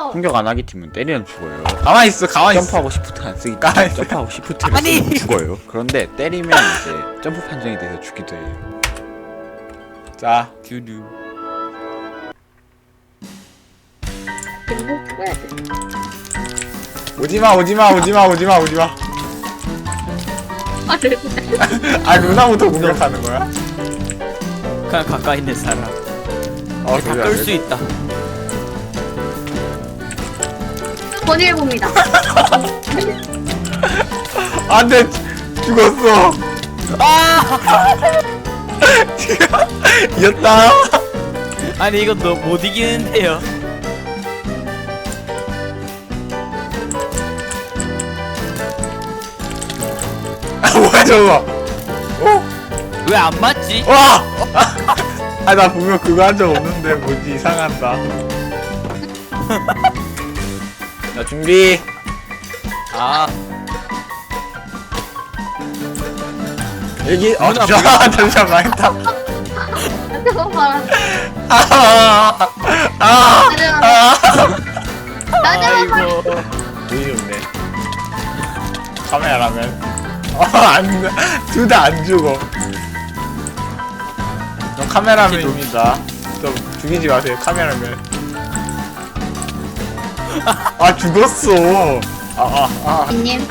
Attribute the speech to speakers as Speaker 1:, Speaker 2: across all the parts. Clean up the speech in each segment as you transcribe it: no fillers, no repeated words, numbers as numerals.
Speaker 1: 공격 안 하기 팀은 때리면 죽어요.
Speaker 2: 가만히 있어, 가만히 있어.
Speaker 1: 점프하고 시프트 안 쓰기
Speaker 2: 가만히
Speaker 1: 때문에
Speaker 2: 있어.
Speaker 1: 점프하고 시프트를
Speaker 3: 아니.
Speaker 1: 쓰면 죽어요. 그런데 때리면 이제 점프 판정이 돼서 죽기도 해요.
Speaker 2: 자,
Speaker 3: 듀듀.
Speaker 4: 그리고 죽어야 돼.
Speaker 2: 오지마, 오지마, 오지마, 오지마, 오지마.
Speaker 4: 아, 네.
Speaker 2: 아, 누나부터 공격하는 거야?
Speaker 3: 그냥 가까이 있는 사람.
Speaker 2: 어,
Speaker 3: 다 끌 수 있다.
Speaker 4: 번일봅니다.
Speaker 2: 안 돼, 죽었어.
Speaker 3: 아!
Speaker 2: 이겼다.
Speaker 3: 아니 이거 너 못 이기는데요.
Speaker 2: 아, 뭐야, 저거. 어?
Speaker 3: 왜 안 맞지?
Speaker 2: 와! 아, 나 분명 그거 한 적 없는데, 뭐지, 이상하다. 자, 준비.
Speaker 3: 아,
Speaker 2: 여기,
Speaker 3: 누나,
Speaker 2: 잠시만, 망했다.
Speaker 4: 잠깐만. 나자마자
Speaker 3: 아이고.
Speaker 2: 되게 좋네. 카메라라면. 안, 둘 다 안 죽어. 저 카메라맨입니다. 좀 죽이지 마세요, 카메라맨. 아, 죽었어.
Speaker 4: 님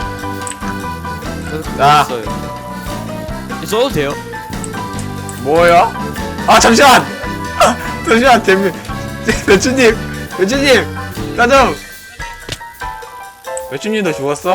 Speaker 2: 자.
Speaker 3: 써요. 써도 돼요?
Speaker 2: 뭐야? 아, 잠시만! 잠시만, 배추님! 배추님! 나 좀! 배추님도 죽었어?